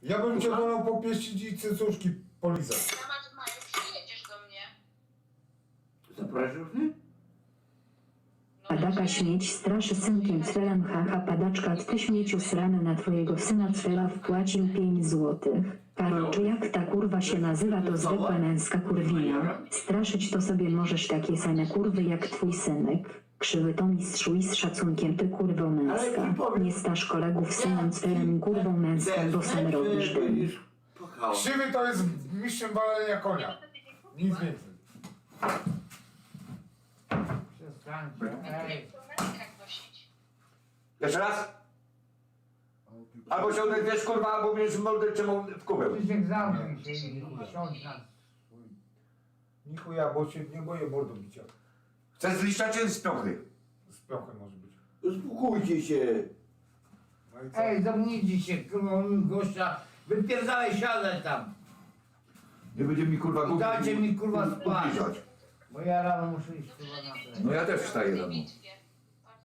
Ja bym cię wolał popieścić i cycuszki polizać. Na maju przyjedziesz do mnie. Zapraszasz mnie? Padaka śmieć straszy synkiem Cfelem haha padaczka ty śmieciu srany na twojego syna Cfela wpłacił 5 złotych. Karol, czy jak ta kurwa się nazywa, to zwykła męska kurwina. Straszyć to sobie możesz takie same kurwy jak twój synek. Krzywy to mistrzu i z szacunkiem ty kurwo męska. Nie stasz kolegów synem Cfelem kurwą męską, bo sam robisz dym. Krzywy to jest mistrzem walenia konia. Nic więcej. Przestańcie, ej. Jak nosić. Jeszcze raz? Albo się odezwiesz kurwa, albo będziesz mordę czemu w kubeł. Krzysiek zamknij się i siądź na swój... Ni chuja, bo się nie boję mordą bicia. Chcesz z liścia czy z piąchy? Z piąchem może być. Uspokójcie się. No i co? Ej, zamknijcie się, kurwa, gościa. Wypierdalaj, siadaj tam. Nie będzie mi kurwa I dajcie mi kurwa spać. ubliżać. Bo ja rano muszę iść kurwa na to. No ja też wstaję W tej rano. bitwie.